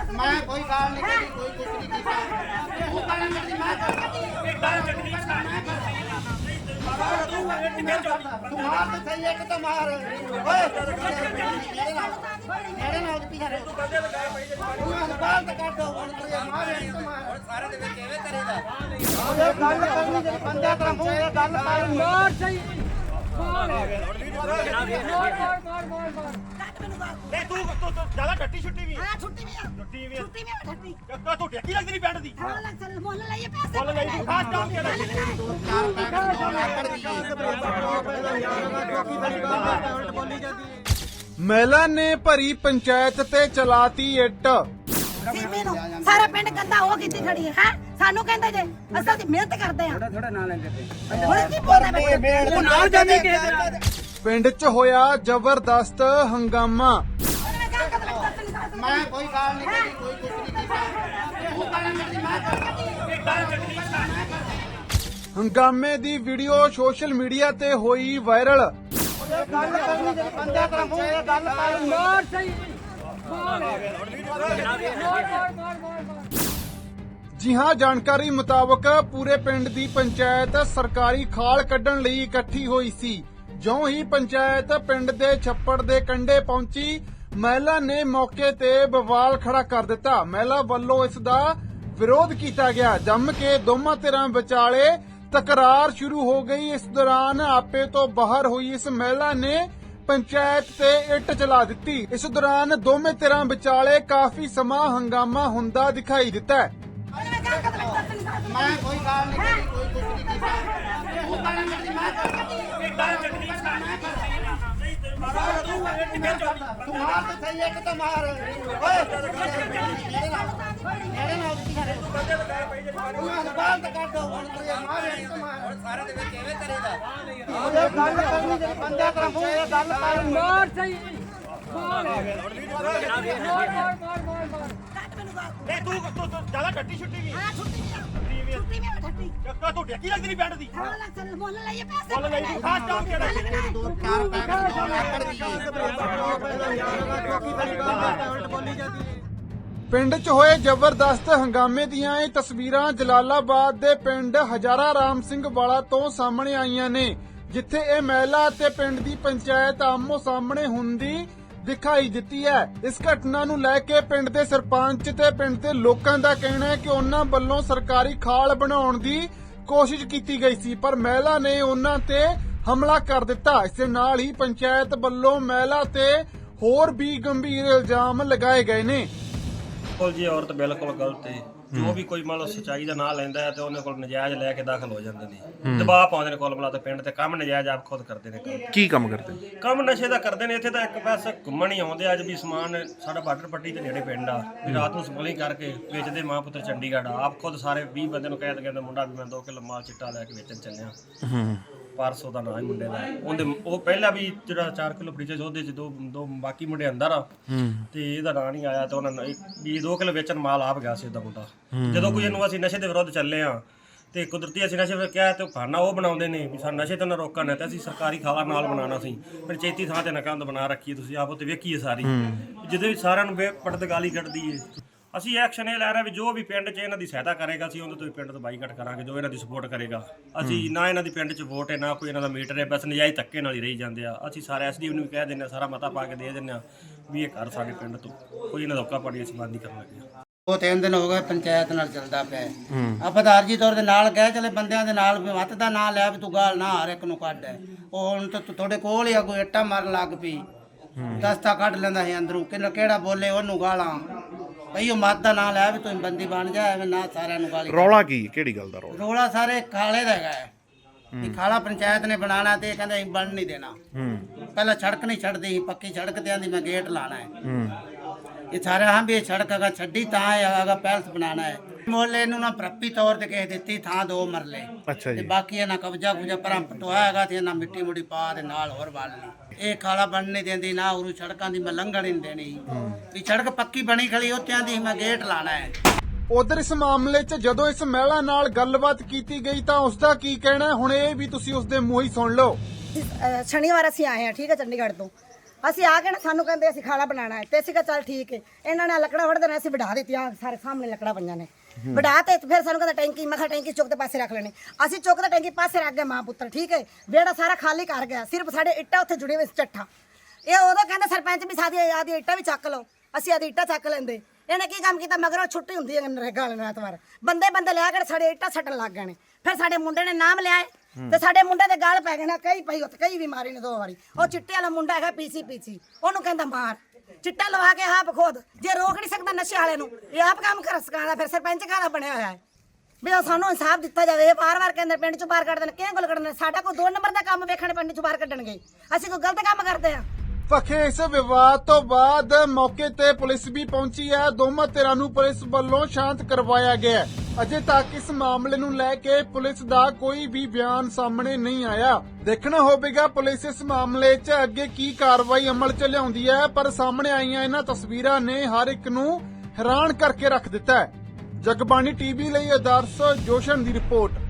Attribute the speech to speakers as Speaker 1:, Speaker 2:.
Speaker 1: मैं कोई गाल नहीं करी, कोई कुछ नहीं कीता। तू गाल करदी, मैं तू मार तो सही है कि तो मार। ओए मेरे नाल पीछे रह तू बंदे लगा तू बाल तो काट दो हुन तू मार तो मार सारे दे विच एवे करेगा। ओए गल करनी जे बंदे तेरा मुंह ए गल कर मार सही मार
Speaker 2: नहीं तू ज्यादा टट्टी छुट्टी भी
Speaker 3: हां छुट्टी भी
Speaker 2: छुट्टी भी
Speaker 3: छुट्टी में छुट्टी
Speaker 2: का तू टेकी लगदी नहीं पिंड दी
Speaker 3: हां लग चल मोल लाइए पैसे
Speaker 2: बोल ले तू खास काम केड़ा
Speaker 1: चार पैकेट आकड़ दी
Speaker 4: ਮਹਿਲਾ ਨੇ ਭਰੀ ਪੰਚਾਇਤ ਤੇ ਚਲਾਤੀ ਇੱਟ।
Speaker 3: ਸੀਪੀ ਨੂੰ ਸਾਰਾ ਪਿੰਡ ਗੰਦਾ ਹੋ ਕੀਤੀ ਖੜੀ ਹੈ ਹੈਂ? ਸਾਨੂੰ ਕਹਿੰਦੇ ਜੇ ਅਸਾਂ ਦੀ ਮਿਹਨਤ ਕਰਦੇ ਆ ਥੋੜਾ ਨਾਂ ਲੈਂਦੇ ਤੇ ਹੁਣ ਕੀ ਬੋਲਦਾ ਬਈ
Speaker 1: ਉਹ ਨਾਲ ਜਾਂਦੇ ਕਿ
Speaker 4: ਪਿੰਡ 'ਚ ਹੋਇਆ ਜ਼ਬਰਦਸਤ ਹੰਗਾਮਾ।
Speaker 1: मैं कोई गाल नहीं करी, कोई कुछ नहीं कीता। तू गाल करदी, मैं
Speaker 4: ਹੰਗਾਮੇ ਦੀ ਵੀਡੀਓ ਸੋਸ਼ਲ ਮੀਡੀਆ ਤੇ ਹੋਈ ਵਾਇਰਲ।
Speaker 1: गल करनी जे बंदे तेरा मुंह ए गल कर मार सही
Speaker 4: ਜੀ ਹਾਂ, ਜਾਣਕਾਰੀ ਮੁਤਾਬਕ ਪੂਰੇ ਪਿੰਡ ਦੀ ਪੰਚਾਇਤ ਸਰਕਾਰੀ ਖਾਲ ਕੱਢਣ ਲਈ ਇਕੱਠੀ ਹੋਈ ਸੀ। ਜਿਉਂ ਹੀ ਪੰਚਾਇਤ ਪਿੰਡ ਦੇ ਛੱਪੜ ਦੇ ਕੰਢੇ ਪਹੁੰਚੀ, ਮਹਿਲਾ ਨੇ ਮੌਕੇ ਤੇ ਬਵਾਲ ਖੜਾ ਕਰ ਦਿੱਤਾ। ਮਹਿਲਾ ਵੱਲੋਂ ਇਸ ਦਾ ਵਿਰੋਧ ਕੀਤਾ ਗਿਆ। ਜੰਮ ਕੇ ਦੋਵਾਂ ਧਿਰਾਂ ਵਿਚਾਲੇ ਤਕਰਾਰ ਸ਼ੁਰੂ ਹੋ ਗਈ। ਇਸ ਦੌਰਾਨ ਆਪੇ ਤੋਂ ਬਾਹਰ ਹੋਈ ਇਸ ਮਹਿਲਾ ਨੇ ਪੰਚਾਇਤ ਤੇ ਇੱਟ ਚਲਾ ਦਿੱਤੀ। ਇਸ ਦੌਰਾਨ ਦੋਵੇਂ ਧਿਰਾਂ ਵਿਚਾਲੇ ਕਾਫੀ ਸਮਾਂ ਹੰਗਾਮਾ ਹੁੰਦਾ ਦਿਖਾਈ ਦਿੱਤਾ।
Speaker 1: मैं कोई गाल नहीं करी, कोई कुछ नहीं कीता। तू गाल करदी, मैं तू मार तो सही है कि तो मार। ओए मेरे नाल पीछे रह तू बाल तो काट दो हुन तू मार तो मार सारे दे विच एवे करेगा। ओए गल करनी जे बंदे तेरा मुंह ए गल कर मार सही
Speaker 2: नहीं तू ज्यादा टट्टी छुट्टी भी
Speaker 3: हां छुट्टी में छुट्टी
Speaker 2: का तू टेकी लगदी नहीं पिंड दी
Speaker 3: हां लग चल मोल लाइए पैसे
Speaker 2: बोल ले तू खास काम केड़ा
Speaker 1: चार पैकेट आकड़ दी
Speaker 4: ਪਿੰਡ 'ਚ ਹੋਏ ਜ਼ਬਰਦਸਤ ਹੰਗਾਮੇ ਦੀਆਂ ਇਹ ਤਸਵੀਰਾਂ ਜਲਾਲਾਬਾਦ ਦੇ ਪਿੰਡ ਹਜ਼ਾਰਾ ਰਾਮ ਸਿੰਘ ਵਾਲਾ ਤੋਂ ਸਾਹਮਣੇ ਆਈਆਂ ਨੇ, ਜਿੱਥੇ ਇਹ ਮਹਿਲਾ ਅਤੇ ਪਿੰਡ ਦੀ ਪੰਚਾਇਤ ਆਮੋ ਸਾਹਮਣੇ ਹੁੰਦੀ ਦਿਖਾਈ ਦਿੱਤੀ ਹੈ। ਇਸ ਘਟਨਾ ਨੂੰ ਲੈ ਕੇ ਪਿੰਡ ਦੇ ਸਰਪੰਚ ਤੇ ਪਿੰਡ ਦੇ ਲੋਕਾਂ ਦਾ ਕਹਿਣਾ ਹੈ ਕਿ ਉਹਨਾਂ ਵੱਲੋਂ ਸਰਕਾਰੀ ਖਾਲ ਬਣਾਉਣ ਦੀ ਕੋਸ਼ਿਸ਼ ਕੀਤੀ ਗਈ ਸੀ, ਪਰ ਮਹਿਲਾ ਨੇ ਉਹਨਾਂ ਤੇ ਹਮਲਾ ਕਰ ਦਿੱਤਾ। ਇਸ ਦੇ ਨਾਲ ਹੀ ਪੰਚਾਇਤ ਵੱਲੋਂ ਮਹਿਲਾ ਤੇ ਹੋਰ ਵੀ ਗੰਭੀਰ ਇਲਜ਼ਾਮ ਲਗਾਏ ਗਏ ਨੇ।
Speaker 5: ਬਿਲਕੁਲ ਜੀ, ਔਰਤ ਬਿਲਕੁਲ ਗਲਤ ਹੈ। ਜੋ ਵੀ ਕੋਈ ਮੰਨ ਲਓ ਸੱਚਾਈ ਦਾ ਨਾਂ ਲੈਂਦਾ ਹੈ ਤੇ ਉਹਨੇ ਕੋਲ ਨਜਾਇਜ਼ ਲੈ ਕੇ ਦਾਖਲ ਹੋ ਜਾਂਦੇ ਨੇ, ਦਬਾਅ ਪਾਉਂਦੇ ਨੇ ਕੋਲ ਬਲਾ ਤੇ ਪਿੰਡ ਤੇ ਕੰਮ ਨਜਾਇਜ਼ ਆਪ ਖੁਦ ਕਰਦੇ ਨੇ।
Speaker 6: ਕੀ ਕੰਮ ਕਰਦੇ?
Speaker 5: ਕੰਮ ਨਸ਼ੇ ਦਾ ਕਰਦੇ ਨੇ। ਇੱਥੇ ਤਾਂ ਇੱਕ ਪਾਸੇ ਘੁੰਮਣ ਹੀ ਆਉਂਦੇ ਅੱਜ ਵੀ ਸਮਾਨ ਸਾਡਾ ਬਾਰਡਰ ਪੱਟੀ ਤੇ ਨੇੜੇ ਪਿੰਡ ਆ, ਵੀ ਰਾਤ ਨੂੰ ਸਮਗਲਿੰਗ ਕਰਕੇ ਵੇਚਦੇ ਮਾਂ ਪੁੱਤਰ ਚੰਡੀਗੜ੍ਹ ਆਪ ਖੁਦ ਸਾਰੇ 20 ਬੰਦੇ ਨੂੰ ਕਹਿੰਦੇ ਮੁੰਡਾ ਵੀ ਮੈਂ 2 ਕਿਲੋ ਮਾਲ ਚਿੱਟਾ ਲੈ ਕੇ ਵੇਚਣ ਚੱਲਿਆ। ਪਰਸੋਂ ਦਾ ਨਾਂ ਹੈ ਮੁੰਡੇ ਦਾ। ਉਹ ਪਹਿਲਾਂ ਵੀ ਜਿਹੜਾ 4 ਕਿਲੋ ਫਰੀਜ ਉਹਦੇ ਚ ਦੋ ਬਾਕੀ ਮੁੰਡੇ ਅੰਦਰ ਆ ਤੇ ਇਹਦਾ ਨਾਂ ਨਹੀਂ ਆਇਆ ਤੇ ਉਹਨਾਂ ਨੇ ਵੀ 2 ਕਿਲੋ ਵੇਚਣ ਮਾਲ ਆਪ ਗਿਆ ਸੀ ਉਹਦਾ ਮੁੰਡਾ। ਜਦੋਂ ਕੋਈ ਇਹਨੂੰ ਅਸੀਂ ਨਸ਼ੇ ਦੇ ਵਿਰੁੱਧ ਚੱਲੇ ਆ ਤੇ ਕੁਦਰਤੀ ਅਸੀਂ ਨਸ਼ੇ ਕਿਹਾ ਤੇ ਖਾਨਾ ਉਹ ਬਣਾਉਂਦੇ ਨੇ ਵੀ ਸਾਨੂੰ ਨਸ਼ੇ ਤੋਂ ਨਾ ਰੋਕਣਾ ਤੇ ਅਸੀਂ ਸਰਕਾਰੀ ਖਾਲਾ ਨਾਲ ਬਣਾਉਣਾ ਸੀ। ਪੰਚਾਇਤੀ ਥਾਂ ਤੇ ਨਕੰਦ ਬਣਾ ਰੱਖੀ ਤੁਸੀਂ ਆਪ ਉੱਤੇ ਵੇਖੀਏ ਸਾਰੀ, ਜਿਹਦੇ ਵਿੱਚ ਸਾਰਿਆਂ ਨੂੰ ਪੜਦਗਾਲੀ ਕੱਢਦੀ ਏ। ਅਸੀਂ ਐਕਸ਼ਨ ਇਹ ਲੈ ਰਹੇ ਵੀ ਜੋ ਵੀ ਪਿੰਡ 'ਚ ਇਹਨਾਂ ਦੀ ਸਹਾਇਤਾ ਕਰੇਗਾ ਅਸੀਂ ਉਹਦੇ ਤੋਂ ਪਿੰਡ ਤੋਂ ਬਾਈਕਾਟ ਕਰਾਂਗੇ। ਜੋ ਇਹਨਾਂ ਦੀ ਸਪੋਰਟ ਕਰੇਗਾ ਅਸੀਂ ਨਾ ਇਹਨਾਂ ਦੀ ਪਿੰਡ 'ਚ ਵੋਟ ਹੈ ਨਾ ਕੋਈ ਇਹਨਾਂ ਦਾ ਮੀਟਰ ਹੈ, ਬਸ ਨਜਾਇਜ਼ ਧੱਕੇ ਨਾਲ ਹੀ ਰਹੀ ਜਾਂਦੇ ਆ। ਅਸੀਂ ਸਾਰੇ ਐਸਡੀਓ ਨੂੰ ਵੀ ਕਹਿ ਦਿੰਦੇ ਹਾਂ, ਸਾਰਾ ਮਤਾ ਪਾ ਕੇ ਦੇ ਦਿੰਦੇ ਹਾਂ ਵੀ ਇਹ ਘਰ ਸਾਡੇ ਪਿੰਡ ਤੋਂ ਕੋਈ ਇਹਨਾਂ ਦਾ ਧੋਖਾ ਪਾੜੀ ਅਸੀਂ ਬੰਦ ਨਹੀਂ ਕਰਨ ਲੱਗੇ।
Speaker 1: 2-3 ਦਿਨ ਹੋ ਗਏ ਪੰਚਾਇਤ ਨਾਲ ਚੱਲਦਾ ਪਿਆ। ਆਪਾਂ ਤਾਂ ਅਰਜੀ ਤੌਰ ਦੇ ਨਾਲ ਗਏ ਚਲੇ ਬੰਦਿਆਂ ਦੇ ਨਾਲ ਵੀ ਮੱਤ ਦਾ ਨਾਂ ਲਿਆ ਵੀ ਤੂੰ ਗਾਲ ਨਾ ਹਰ ਇੱਕ ਨੂੰ ਕੱਢ। ਉਹ ਹੁਣ ਤਾਂ ਤੁਹਾਡੇ ਕੋਲ ਹੀ ਆ ਕੋਈ ਇੱਟਾਂ ਮਾਰਨ ਲੱਗ ਪਈ, ਦਸਤਾ ਕੱਢ ਲੈਂਦਾ ਸੀ ਅੰਦਰੋਂ ਕਿਹੜਾ ਬੋਲੇ ਉਹਨੂੰ ਗਾਲਾਂ ਭਈ ਉਹ ਮੱਤ ਦਾ ਨਾਂ ਲਿਆ ਵੀ ਤੂੰ ਬੰਦੀ ਬਣ ਜਾ ਐਵੇਂ ਨਾ ਸਾਰਿਆਂ ਨੂੰ ਗਾਲੀ।
Speaker 6: ਰੌਲਾ ਕੀ? ਕਿਹੜੀ ਗੱਲ ਦਾ ਰੌਲਾ?
Speaker 1: ਰੌਲਾ ਸਾਰੇ ਖਾਲੇ ਦਾ ਹੈਗਾ ਇਹ ਖਾਲਾ ਪੰਚਾਇਤ ਨੇ ਬਣਾਣਾ ਤੇ ਕਹਿੰਦੇ ਅਸੀਂ ਬਣ ਨਹੀਂ ਦੇਣਾ। ਪਹਿਲਾਂ ਸੜਕ ਨਹੀਂ ਛੱਡਦੀ ਸੀ, ਪੱਕੀ ਸੜਕ ਤੇ ਆਂਦੀ ਮੈਂ ਗੇਟ ਲਾਣਾ ਹੈ। ਇਹ ਸਾਰੇ ਹਾਂ ਵੀ ਇਹ ਸੜਕ ਅਗਾ ਛੱਡੀ ਤਾਂ ਹੈਗਾ ਪੈਲਸ ਬਣਾਣਾ ਹੈ। ਮੋਹਲੇ ਨੂੰ ਨਾ ਪ੍ਰੱਪੀ ਤੌਰ ਤੇ ਕਿਸੇ ਦਿੱਤੀ ਥਾਂ 2 ਮਰਲੇ।
Speaker 6: ਅੱਛਾ ਜੀ।
Speaker 1: ਤੇ ਬਾਕੀ ਇਹਨਾਂ ਕਬਜ਼ਾ ਪਰਾਂ ਪਟਵਾਇਆ ਹੈਗਾ ਤੇ ਇਹਨਾਂ ਮਿੱਟੀ ਮੁੱਟੀ ਪਾ ਦੇ ਨਾਲ ਹੋਰ ਵੱਲ ਲਈ। ਇਹ ਖਾਲਾ ਬਣ ਨਹੀਂ ਦਿੰਦੀ ਨਾ ਉਰੂ ਸੜਕਾਂ ਦੀ ਮੈਂ ਲੰਘਣ ਨਹੀਂ ਦੇਣੀ ਵੀ ਸੜਕ ਪੱਕੀ ਬਣੀ ਖੜੀ ਉੱਤਿਆਂ ਦੀ ਮੈਂ ਗੇਟ ਲਾਣਾ ਹੈ।
Speaker 4: ਉਧਰ ਇਸ ਮਾਮਲੇ 'ਚ ਜਦੋਂ ਇਸ ਮਹਿਲਾ ਨਾਲ ਗੱਲਬਾਤ ਕੀਤੀ ਗਈ ਤਾਂ ਉਸ ਦਾ ਕੀ ਕਹਿਣਾ ਹੁਣ ਇਹ ਵੀ ਤੁਸੀਂ ਉਸ ਦੇ ਮੂੰਹ ਹੀ ਸੁਣ ਲਓ।
Speaker 3: ਸ਼ਨੀਵਾਰ ਅਸੀਂ ਆਏ ਹਾਂ, ਠੀਕ ਹੈ, ਚੰਡੀਗੜ੍ਹ ਤੋਂ। ਅਸੀਂ ਆ ਕੇ ਨਾ ਸਾਨੂੰ ਕਹਿੰਦੇ ਅਸੀਂ ਖਾਣਾ ਬਣਾਉਣਾ ਹੈ ਤੇ ਅਸੀਂ ਕਿਹਾ ਚੱਲ ਠੀਕ ਹੈ। ਇਹਨਾਂ ਨੇ ਲੱਕੜਾਂ ਵੜਦੇ ਨੇ, ਅਸੀਂ ਵਢਾ ਦਿੱਤੀਆਂ, ਸਾਰੇ ਸਾਹਮਣੇ ਲੱਕੜਾਂ ਪਈਆਂ ਨੇ, ਵਢਾ ਤੇ ਫਿਰ ਸਾਨੂੰ ਕਹਿੰਦਾ ਟੈਂਕੀ, ਮੈਂ ਕਿਹਾ ਟੈਂਕੀ ਚੁੱਕ ਦੇ ਪਾਸੇ ਰੱਖ ਲੈਣੀ। ਅਸੀਂ ਚੁੱਕ ਦੇ ਟੈਂਕੀ ਪਾਸੇ ਰੱਖ ਗਏ ਮਾਂ ਪੁੱਤਰ, ਠੀਕ ਹੈ। ਵਿਹੜਾ ਸਾਰਾ ਖਾਲੀ ਕਰ ਗਿਆ, ਸਿਰਫ ਸਾਡੇ ਇੱਟਾਂ ਉੱਥੇ ਜੁੜੀ ਹੋਈ ਸੀ ਚੱਠਾ। ਇਹ ਉਦੋਂ ਕਹਿੰਦਾ ਸਰਪੰਚ ਵੀ ਸਾਡੀ ਆਦੀ ਇੱਟਾਂ ਵੀ ਚੱਕ ਲਓ, ਅਸੀਂ ਆਦੀ ਇੱਟਾਂ ਚੱਕ ਲੈਂਦੇ। ਇਹਨੇ ਕੀ ਕੰਮ ਕੀਤਾ, ਮਗਰੋਂ ਛੁੱਟੀ ਹੁੰਦੀ ਹੈ ਨਰੇਗਾ ਵਾਲੇ ਨੂੰ ਐਤਵਾਰ, ਬੰਦੇ ਲਿਆ ਕੇ ਸਾਡੇ ਇੱਟਾਂ ਸੱਟਣ ਲੱਗ ਗਏ ਨੇ। ਫਿਰ ਸਾਡੇ ਮੁੰਡੇ ਨੇ ਨਾਮ ਲਿਆ ਤੇ ਸਾਡੇ ਮੁੰਡੇ ਦੇ ਗਾਲ ਪੈ ਗਏ ਨੇ, ਕਈ ਪਈ ਉੱਥੇ, ਕਈ ਵੀ ਮਾਰੀ ਨੇ 2 ਵਾਰੀ। ਉਹ ਚਿੱਟੇ ਵਾਲਾ ਮੁੰਡਾ ਹੈਗਾ ਪੀਸੀ, ਉਹਨੂੰ ਕਹਿੰਦਾ ਮਾਰ, ਚਿੱਟਾ ਲਵਾ ਕੇ ਆਪ ਖੁਦ, ਜੇ ਰੋਕ ਨਹੀਂ ਸਕਦਾ ਨਸ਼ੇ ਵਾਲੇ ਨੂੰ, ਇਹ ਆਪ ਕੰਮ ਕਰ ਸਕਾਂਦਾ। ਫਿਰ ਸਰਪੰਚ ਕਾਹਦਾ ਬਣਿਆ ਹੋਇਆ ਹੈ ਵੀ ਉਹ ਸਾਨੂੰ ਇਨਸਾਫ ਦਿੱਤਾ ਜਾਵੇ। ਇਹ ਵਾਰ-ਵਾਰ ਕਹਿੰਦੇ ਪਿੰਡ ਚੋਂ ਬਾਹਰ ਕੱਢ ਦੇਣ, ਕਿਹਨੇ ਕੋਲ ਕੱਢਣੇ? ਸਾਡਾ ਕੋਈ 2 ਨੰਬਰ ਦਾ ਕੰਮ ਵੇਖਣੇ ਪਿੰਡ ਚੋਂ ਬਾਹਰ ਕੱਢਣਗੇ, ਅਸੀਂ ਕੋਈ ਗਲਤ ਕੰਮ ਕਰਦੇ ਆ?
Speaker 4: ਪੱਖੇ ਇਸ ਵਿਵਾਦ ਤੋਂ ਬਾਅਦ ਮੌਕੇ ਤੇ ਪੁਲਿਸ ਵੀ ਪਹੁੰਚੀ ਹੈ। ਦੋਵਾਂ ਧਿਰਾਂ ਨੂੰ ਪੁਲਿਸ ਵੱਲੋਂ ਸ਼ਾਂਤ ਕਰਵਾਇਆ ਗਿਆ। ਅਜੇ ਤੱਕ ਇਸ ਮਾਮਲੇ ਨੂੰ ਲੈ ਕੇ ਪੁਲਿਸ ਦਾ ਕੋਈ ਵੀ ਬਿਆਨ ਸਾਹਮਣੇ ਨਹੀਂ ਆਇਆ। ਦੇਖਣਾ ਹੋਵੇਗਾ ਪੁਲਿਸ ਇਸ ਮਾਮਲੇ 'ਚ ਅੱਗੇ ਕੀ ਕਾਰਵਾਈ ਅਮਲ 'ਚ ਲਿਆਉਂਦੀ ਹੈ। ਪਰ ਸਾਹਮਣੇ ਆਈਆਂ ਇਹਨਾਂ ਤਸਵੀਰਾਂ ਨੇ ਹਰ ਇੱਕ ਨੂੰ ਹੈਰਾਨ ਕਰਕੇ ਰੱਖ ਦਿੱਤਾ ਹੈ। ਜਗਬਾਣੀ ਟੀਵੀ ਲਈ ਆਦਰਸ਼ ਜੋਸ਼ਨ ਦੀ ਰਿਪੋਰਟ।